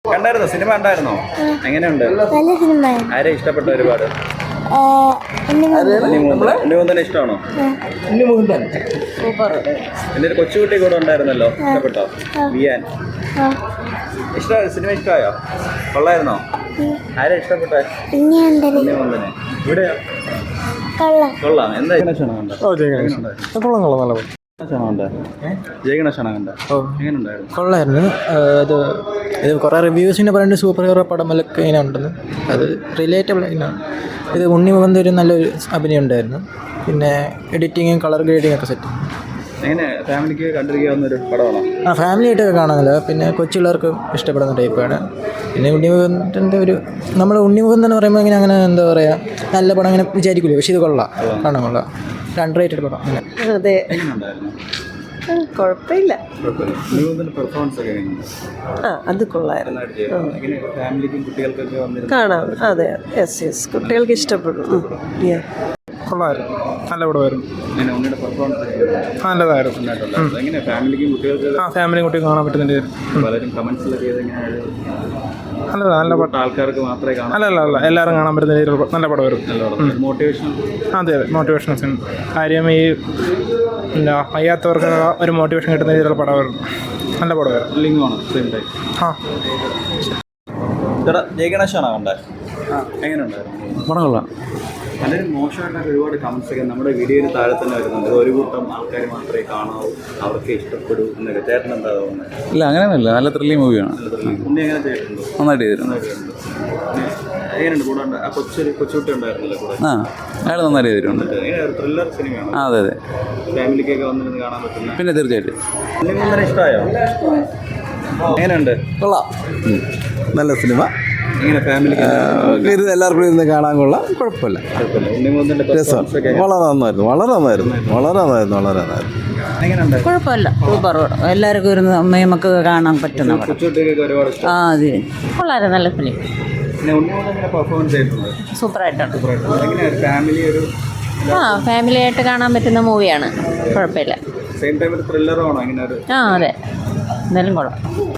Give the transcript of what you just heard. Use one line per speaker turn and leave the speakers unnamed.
കണ്ടായിരുന്നോ? സിനിമ കണ്ടായിരുന്നോ? എങ്ങനെയുണ്ട്?
നല്ല സിനിമ.
ആരെ ഇഷ്ടപ്പെട്ട ഒരുപാട്? ഉണ്ണിമുകുന്ദനെ ഇഷ്ടമാണോ? എന്റെ ഒരു കൊച്ചുകുട്ടി കൂടെ ഉണ്ടായിരുന്നല്ലോ, ഇഷ്ടപ്പെട്ടോ? വിയാൻ ഇഷ്ടമായോ? സിനിമ ഇഷ്ടമായോ? കൊള്ളായിരുന്നോ? ആരെ ഇഷ്ടപ്പെട്ടെ? ഉണ്ണിമുകുന്ദനെ. ഇവിടെയോ? കൊള്ളാം. എന്താ
കൊള്ളായിരുന്നു. ഇത് കുറേ റിവ്യൂസിനെ പറയുന്നത് സൂപ്പർ ഹീറോ പടമൊക്കെ ഇങ്ങനെ ഉണ്ടെന്ന്. അത് റിലേറ്റബിൾ ഇങ്ങനെയാണ്. ഇത് ഉണ്ണിമുകുന്ദൻ ഒരു നല്ലൊരു അഭിനയം ഉണ്ടായിരുന്നു. പിന്നെ എഡിറ്റിങ്ങും കളർ ഗ്രേഡിങ് ഒക്കെ സെറ്റ്.
ഫാമിലിക്ക് കണ്ടിരിക്കാവുന്നൊരു പടമാണോ?
ഫാമിലി ആയിട്ടൊക്കെ കാണാനില്ല. പിന്നെ കൊച്ചുപിള്ളേർക്ക് ഇഷ്ടപ്പെടുന്ന ടൈപ്പാണ്. പിന്നെ ഉണ്ണിമുകുന്ദൻ്റെ നമ്മൾ ഉണ്ണിമുകുന്ദൻ എന്ന് പറയുമ്പോൾ ഇങ്ങനെ അങ്ങനെ എന്താ പറയുക, നല്ല പടം അങ്ങനെ വിചാരിക്കില്ല. പക്ഷേ ഇത് കൊള്ളാം, കാണാൻ കൊള്ളാം. ഒരു അണ്ടർറേറ്റഡ് പടം.
അതെ, കുഴപ്പമില്ല. അത് കൊള്ളായിരുന്നു, കാണാം. അതെ, യെസ്, കുട്ടികൾക്ക് ഇഷ്ടപ്പെടും.
കൊള്ളായിരുന്നു, നല്ല പടമായിരുന്നു. നല്ലതായിരുന്നു. ഫാമിലിയും കുട്ടികൾക്ക് കാണാൻ പറ്റുന്നുണ്ട്. നല്ല പടം.
ആൾക്കാർക്ക് മാത്രമേ കാണാൻ,
അല്ല എല്ലാവരും കാണാൻ പറ്റുന്ന രീതിയിൽ നല്ല പടമായിരുന്നു.
മോട്ടിവേഷൻ.
അതെ, മോട്ടിവേഷൻ കാര്യം ഈ വയ്യാത്തവർക്ക് ഒരു മോട്ടിവേഷൻ കിട്ടുന്ന രീതിയിലുള്ള പടമായിരുന്നു. നല്ല പടമായിരുന്നു.
ജയഗണേശാണോ കണ്ടേ? എങ്ങനെയുണ്ടായിരുന്നു
പടം? കൊള്ളാം.
വളരെ മോശമായിട്ടൊക്കെ ഒരുപാട് കമൻസ് ഒക്കെ നമ്മുടെ വീഡിയോയിൽ താഴെ തന്നെ വരുന്നുണ്ട്. ഒരു കൂട്ടം ആൾക്കാർ മാത്രമേ കാണാവൂ, അവർക്ക് ഇഷ്ടപ്പെടൂ എന്നൊക്കെ. ചേട്ടൻ എന്താ തോന്നുന്നത്?
ഇല്ല, അങ്ങനെയൊന്നുമില്ല. നല്ല ത്രില്ലിംഗ് മൂവിയാണ്.
ഉണ്ണി എങ്ങനെ ചെയ്തിട്ടുണ്ടോ?
നന്നായിട്ട് ചെയ്തിട്ടുണ്ട്.
എങ്ങനെയുണ്ട്? കൂടെ ആ കൊച്ചുകുട്ടി ഉണ്ടായിരുന്നല്ലോ കൂടെ.
അയാൾ നന്നായിട്ട് ചെയ്തിട്ടുണ്ട്.
ത്രില്ലർ സിനിമയാണ്.
അതെ,
ഫാമിലിക്കൊക്കെ വന്നിരുന്ന് കാണാൻ പറ്റുന്ന.
പിന്നെ തീർച്ചയായിട്ടും.
ഉണ്ണിമുകുന്ദനെ ഇഷ്ടമായോ? എങ്ങനെയുണ്ട്?
കൊള്ളാം, നല്ല സിനിമ.
എങ്ങനെ ഫാമിലിക്ക്
എല്ലാവർക്കും ഇരുന്ന് കാണാൻ കൊള്ളാം, കുഴപ്പമില്ല. രസം വളരെ നന്നായിരുന്നു.
കുഴപ്പമില്ല, സൂപ്പർ. എല്ലാവർക്കും ഇരുന്ന് അമ്മയും മക്കൾക്ക് കാണാൻ പറ്റുന്ന അതെ, കൊള്ളായിരുന്നു. നല്ല ഫിലിം, സൂപ്പറായിട്ടുണ്ട്. ഫാമിലി ആയിട്ട് കാണാൻ പറ്റുന്ന മൂവിയാണ്, കുഴപ്പമില്ല.
സെയിം ടൈം ത്രില്ലറാണോ?
അതെ, എന്തായാലും കൊള്ളാം.